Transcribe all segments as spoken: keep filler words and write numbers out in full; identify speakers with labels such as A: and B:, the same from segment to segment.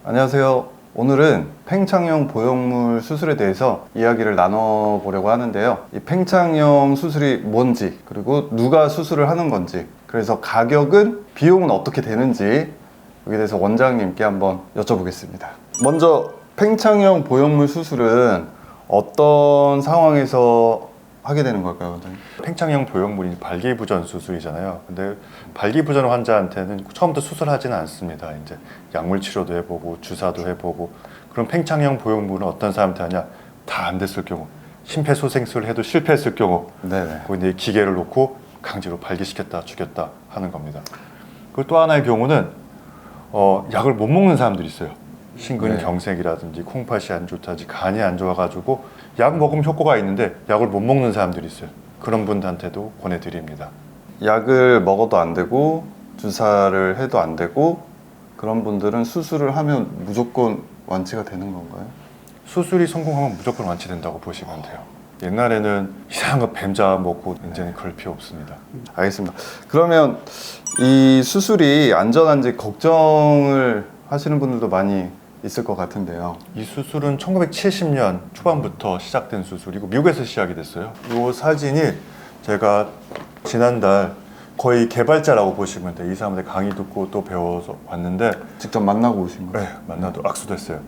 A: 안녕하세요. 오늘은 팽창형 보형물 수술에 대해서 이야기를 나눠보려고 하는데요. 이 팽창형 수술이 뭔지, 그리고 누가 수술을 하는 건지, 그래서 가격은, 비용은 어떻게 되는지 여기에 대해서 원장님께 한번 여쭤보겠습니다. 먼저 팽창형 보형물 수술은 어떤 상황에서 하게 되는 걸까요, 원장님?
B: 팽창형 보형물이 발기부전 수술이잖아요. 근데 발기부전 환자한테는 처음부터 수술하지는 않습니다. 이제 약물 치료도 해보고 주사도 해보고. 그럼 팽창형 보형물은 어떤 사람한테 하냐? 다 안 됐을 경우, 심폐소생술을 해도 실패했을 경우,
A: 네네.
B: 거기에 기계를 놓고 강제로 발기시켰다 죽였다 하는 겁니다. 그리고 또 하나의 경우는 어, 약을 못 먹는 사람들이 있어요. 심근경색이라든지 콩팥이 안 좋다든지 간이 안 좋아가지고 약 먹으면 효과가 있는데 약을 못 먹는 사람들이 있어요. 그런 분들한테도 권해드립니다.
A: 약을 먹어도 안 되고 주사를 해도 안 되고 그런 분들은 수술을 하면 무조건 완치가 되는 건가요?
B: 수술이 성공하면 무조건 완치된다고 보시면 돼요. 옛날에는 이상한 거 뱀자 먹고 이제는 그럴 필요 없습니다.
A: 알겠습니다. 그러면 이 수술이 안전한지 걱정을 하시는 분들도 많이 있을 것 같은데요.
B: 이 수술은 천구백칠십 년 초반부터 시작된 수술이고 미국에서 시작이 됐어요. 이 사진이 제가 지난달 거의 개발자라고 보시면 돼요. 이 사람들 강의 듣고 또 배워서 왔는데
A: 직접 만나고 오신 거예요?
B: 네, 만나도 악수도 했어요.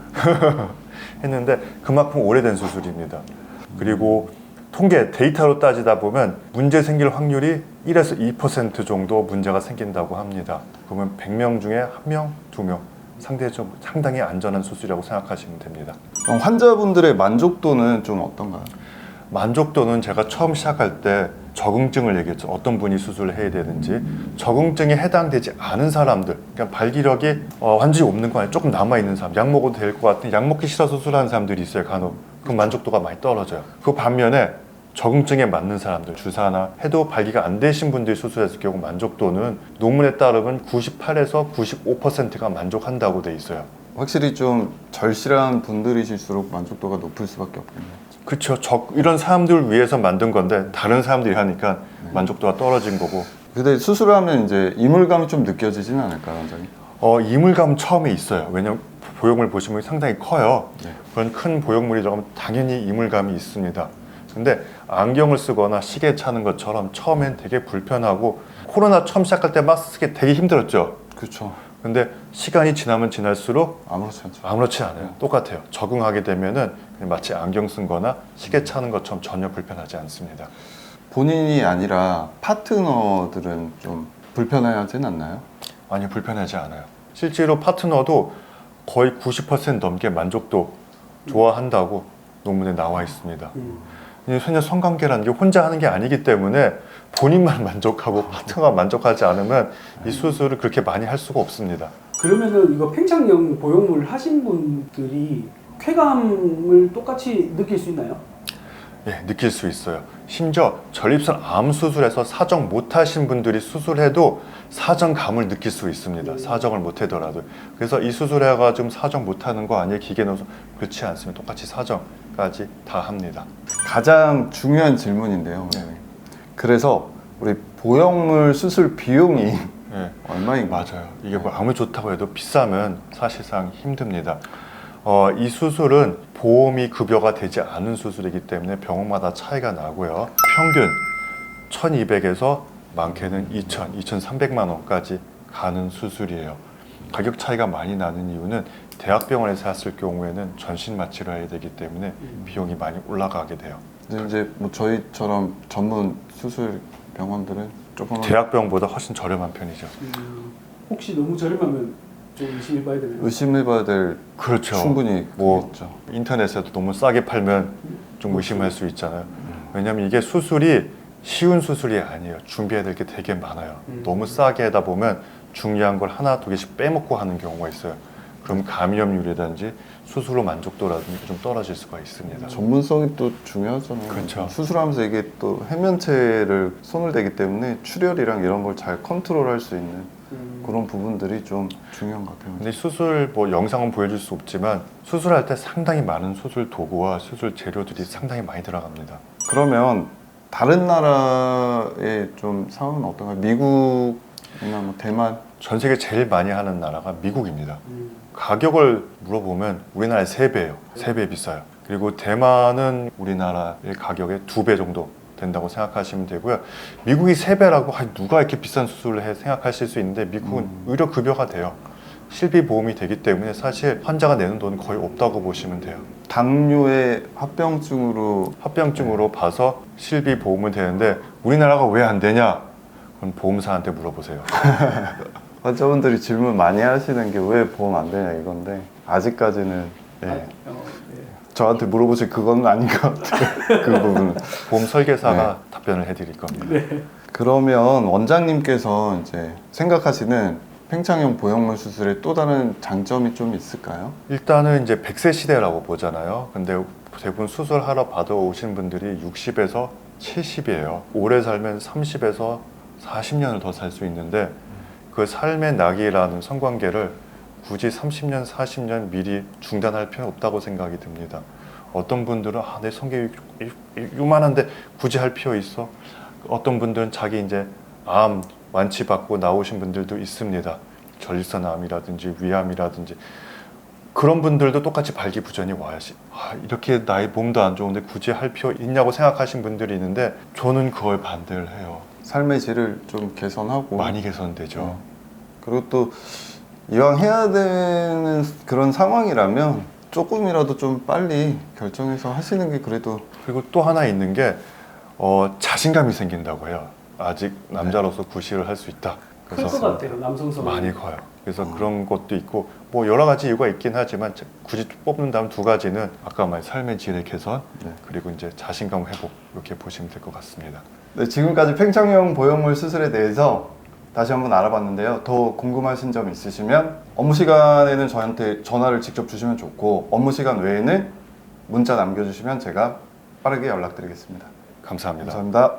B: 했는데 그만큼 오래된 수술입니다. 그리고 통계 데이터로 따지다 보면 문제 생길 확률이 일에서 이 퍼센트 정도 문제가 생긴다고 합니다. 그러면 백 명 중에 한 명, 두 명 상대적으로 상당히 안전한 수술이라고 생각하시면 됩니다.
A: 그럼 환자분들의 만족도는 좀 어떤가요?
B: 만족도는 제가 처음 시작할 때 적응증을 얘기했죠. 어떤 분이 수술을 해야 되는지. 적응증에 해당되지 않은 사람들, 그러니까 발기력이 어, 완전히 없는 거 아니에요. 조금 남아있는 사람, 약 먹어도 될 것 같은 약 먹기 싫어 수술하는 사람들이 있어요, 간혹. 그 만족도가 많이 떨어져요. 그 반면에 적응증에 맞는 사람들, 주사나 해도 발기가 안 되신 분들이 수술했을 경우 만족도는 논문에 따르면 구십팔에서 구십오 퍼센트가 만족한다고 돼 있어요.
A: 확실히 좀 절실한 분들이실수록 만족도가 높을 수밖에 없겠네요.
B: 그렇죠. 적, 이런 사람들을 위해서 만든 건데 다른 사람들이 하니까 만족도가 떨어진 거고.
A: 근데 수술을 하면 이제 이물감이 좀 느껴지지는 않을까요, 원장님?
B: 어, 이물감 처음에 있어요. 왜냐면 보형물 보시면 상당히 커요.
A: 네.
B: 그런 큰 보형물이 들어가면 당연히 이물감이 있습니다. 근데 안경을 쓰거나 시계 차는 것처럼 처음엔 되게 불편하고, 코로나 처음 시작할 때 마스크 쓰기 되게 힘들었죠.
A: 그렇죠.
B: 근데 시간이 지나면 지날수록
A: 아무렇지 않죠.
B: 아무렇지 않아요. 똑같아요. 적응하게 되면은 그냥 마치 안경 쓴 거나 시계 차는 것처럼 전혀 불편하지 않습니다.
A: 본인이 아니라 파트너들은 좀 불편해하진 않나요?
B: 아니, 불편하지 않아요. 실제로 파트너도 거의 구십 퍼센트 넘게 만족도 좋아한다고 논문에 나와 있습니다. 왜냐면 성관계라는 게 혼자 하는 게 아니기 때문에 본인만 만족하고 파트너가 만족하지 않으면 이 수술을 그렇게 많이 할 수가 없습니다.
C: 그러면은 이거 팽창형 보형물 하신 분들이 쾌감을 똑같이 느낄 수 있나요?
B: 예, 느낄 수 있어요. 심지어 전립선 암 수술에서 사정 못 하신 분들이 수술해도 사정감을 느낄 수 있습니다. 사정을 못 하더라도. 그래서 이 수술해가지고 사정 못 하는 거 아니에요? 기계 넣어서. 그렇지 않습니다. 똑같이 사정까지 다 합니다.
A: 가장 중요한 질문인데요.
B: 네.
A: 그래서 우리 보형물 수술 비용이
B: 예,
A: 얼마인가요?
B: 맞아요. 이게 뭐 아무리 좋다고 해도 비싸면 사실상 힘듭니다. 어, 이 수술은 보험이 급여가 되지 않은 수술이기 때문에 병원마다 차이가 나고요. 평균 천이백에서 많게는 이천, 이천삼백만 원까지 가는 수술이에요. 가격 차이가 많이 나는 이유는 대학병원에서 했을 경우에는 전신 마취를 해야 되기 때문에 비용이 많이 올라가게 돼요.
A: 근데 이제 뭐 저희처럼 전문 수술 병원들은 조금
B: 대학병원보다 훨씬 저렴한 편이죠.
C: 음, 혹시 너무 저렴하면 좀 의심해봐야 되나요?
A: 의심해봐야 될
B: 그렇죠.
A: 충분히
B: 뭐
A: 그렇죠.
B: 인터넷에도 너무 싸게 팔면 좀 의심할 수 있잖아요. 왜냐하면 이게 수술이 쉬운 수술이 아니에요. 준비해야 될 게 되게 많아요.
C: 음.
B: 너무 싸게 하다 보면 중요한 걸 하나 두 개씩 빼먹고 하는 경우가 있어요. 그럼 감염률이라든지 수술로 만족도라든지 좀 떨어질 수가 있습니다.
A: 전문성이 또 중요하잖아요.
B: 그렇죠.
A: 수술하면서 이게 또 해면체를 손을 대기 때문에 출혈이랑 이런 걸 잘 컨트롤할 수 있는
C: 음.
A: 그런 부분들이 좀 중요한 것 같아요.
B: 근데 수술 뭐 영상은 보여줄 수 없지만 수술할 때 상당히 많은 수술 도구와 수술 재료들이 상당히 많이 들어갑니다.
A: 그러면 다른 나라의 좀 상황은 어떤가요? 미국이나 뭐 대만?
B: 전 세계 제일 많이 하는 나라가 미국입니다.
C: 음.
B: 가격을 물어보면 우리나라의 세 배예요. 세 배 비싸요. 그리고 대만은 우리나라의 가격의 두 배 정도 된다고 생각하시면 되고요. 미국이 세 배라고 아, 누가 이렇게 비싼 수술을 해 생각하실 수 있는데 미국은
A: 음.
B: 의료 급여가 돼요. 실비 보험이 되기 때문에 사실 환자가 내는 돈은 거의 없다고 보시면 돼요.
A: 당뇨의 합병증으로
B: 합병증으로 봐서 실비 보험은 되는데 우리나라가 왜 안 되냐? 그건 보험사한테 물어보세요.
A: 환자분들이 질문 많이 하시는 게 왜 보험 안 되냐 이건데 아직까지는 예,
C: 아, 어, 네.
A: 저한테 물어보실 그건 아닌 것 같아요. 그 부분은.
B: 보험 설계사가 답변을 해드릴 겁니다.
C: 네.
A: 그러면 원장님께서 이제 생각하시는 팽창형 보형물 수술의 또 다른 장점이 좀 있을까요?
B: 일단은 이제 백 세 시대라고 보잖아요. 근데 대부분 수술하러 받아오신 분들이 육십에서 칠십이에요. 오래 살면 삼십에서 사십 년을 더 살 수 있는데 그 삶의 낙이라는 성관계를 굳이 삼십 년, 사십 년 미리 중단할 필요는 없다고 생각이 듭니다. 어떤 분들은 아, 내 성격이 요만한데 굳이 할 필요 있어? 어떤 분들은 자기 이제 암 완치받고 나오신 분들도 있습니다. 전립선암이라든지 위암이라든지 그런 분들도 똑같이 발기부전이 와야지 아, 이렇게 나의 몸도 안 좋은데 굳이 할 필요 있냐고 생각하신 분들이 있는데 저는 그걸 반대를 해요.
A: 삶의 질을 좀 개선하고
B: 많이 개선되죠.
A: 어. 그리고 또 이왕 해야 되는 그런 상황이라면 조금이라도 좀 빨리 결정해서 하시는 게 그래도
B: 그리고 또 하나 있는 게 어, 자신감이 생긴다고 해요. 아직 남자로서 구실을 할 수 있다.
C: 클 것 같아요, 남성성.
B: 많이 커요. 그래서
A: 어.
B: 그런 것도 있고 뭐 여러 가지 이유가 있긴 하지만 굳이 뽑는다면 두 가지는 아까 말한 삶의 질의 개선
A: 네.
B: 그리고 이제 자신감 회복 이렇게 보시면 될 것 같습니다.
A: 네, 지금까지 팽창형 보형물 수술에 대해서 다시 한번 알아봤는데요. 더 궁금하신 점 있으시면 업무 시간에는 저한테 전화를 직접 주시면 좋고 업무 시간 외에는 문자 남겨주시면 제가 빠르게 연락드리겠습니다.
B: 감사합니다.
A: 감사합니다.